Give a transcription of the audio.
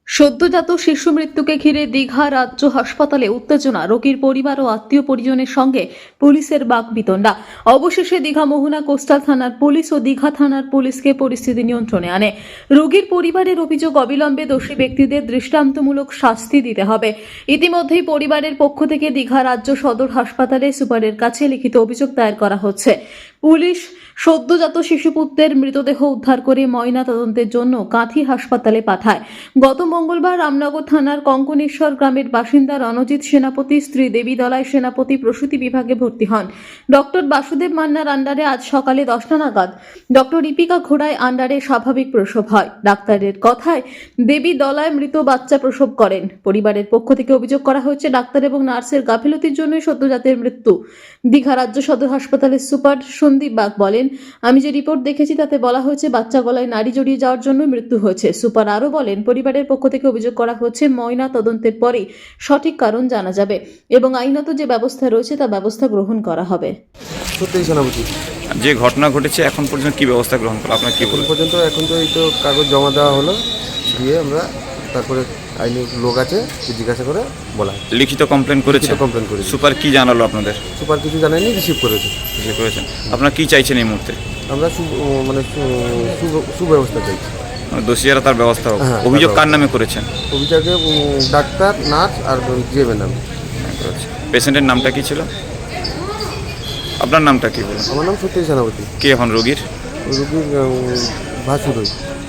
সদ্যজাত শিশু মৃত্যুকে ঘিরে দীঘা রাজ্য হাসপাতালে উত্তেজনা, রোগীর পরিবার ও আত্মীয় পরিজনের সঙ্গে পুলিশের বাকবিতণ্ডা। অবশেষে দীঘা মোহনা কোস্টাল থানার পুলিশ ও দীঘা থানার পুলিশকে পরিস্থিতি নিয়ন্ত্রণে আনে। রোগীর পরিবারের অভিযোগ, অবিলম্বে দোষী ব্যক্তিদের দৃষ্টান্তমূলক শাস্তি দিতে হবে। ইতিমধ্যেই পরিবারের পক্ষ থেকে দীঘা রাজ্য সদর হাসপাতালে সুপারের কাছে লিখিত অভিযোগ দায়ের করা হচ্ছে। পুলিশ সদ্যজাত শিশুপুত্রের মৃতদেহ উদ্ধার করে ময়না তদন্তের জন্য কাঁথি হাসপাতালে পাঠায়। গত মঙ্গলবার রামনগর থানার কঙ্কনেশ্বর গ্রামের বাসিন্দা রণজিৎ সেনাপতি স্ত্রী দেবী দলাই সেনাপতি প্রসূতি বিভাগে ভর্তি হন। ডক্টর বাসুদেব মান্নার আন্ডারে আজ সকালে 10টা নাগাদ ডক্টর ইপিকা ঘোড়ায় আন্ডারে স্বাভাবিক প্রসব হয়। ডাক্তারের কথায় দেবী দলায় মৃত বাচ্চা প্রসব করেন। পরিবারের পক্ষ থেকে অভিযোগ করা হয়েছে ডাক্তার এবং নার্সের গাফিলতির জন্যই সদ্যজাতের মৃত্যু। দীঘা রাজ্য সদর হাসপাতালের সুপার সন্দীপ বাগ বলেন, আমি যে রিপোর্ট দেখেছি তাতে বলা হয়েছে বাচ্চা গলায় নাড়ি জড়িয়ে যাওয়ার জন্য মৃত্যু হয়েছে। সুপার আরও বলেন, পরিবারের পক্ষ থেকে অভিযোগ করা হচ্ছে ময়না তদন্তের পরেই সঠিক কারণ জানা যাবে এবং আইনত যে ব্যবস্থা রয়েছে তা ব্যবস্থা গ্রহণ করা হবে। সত্যি সেনাপতি যে ঘটনা ঘটেছে এখন পর্যন্ত কি ব্যবস্থা গ্রহণ করা আপনার কি এখন বলবেন? পর্যন্ত এখন তো এই তো কাগজ জমা দেওয়া হলো, দিয়ে আমরা তারপরে আইনি লোক আছে জিজ্ঞাসা করে বলা হয়। লিখিত কমপ্লেন করেছে? কমপ্লেন করেছি। সুপার কি জানালো আপনাদের? সুপার কিছু জানায়নি, রিসিভ করেছে। কিছু করেছেন? আপনারা কি চাইছেন এই মুহূর্তে? আমরা সুব্যবস্থা চাইছি। মানে দোষীরা তার ব্যবস্থা হোক। হ্যাঁ, অভিযোগ কার নামে করেছেন? অভিযোগে ডাক্তার, নার্স আর জিএমের নাম। পেশেন্টের নামটা কি ছিল? আপনার নামটা কি বলুন? আমার নাম সত্যি সেনাপতি। কে এখন রোগীর? রোগীর ভাসুর।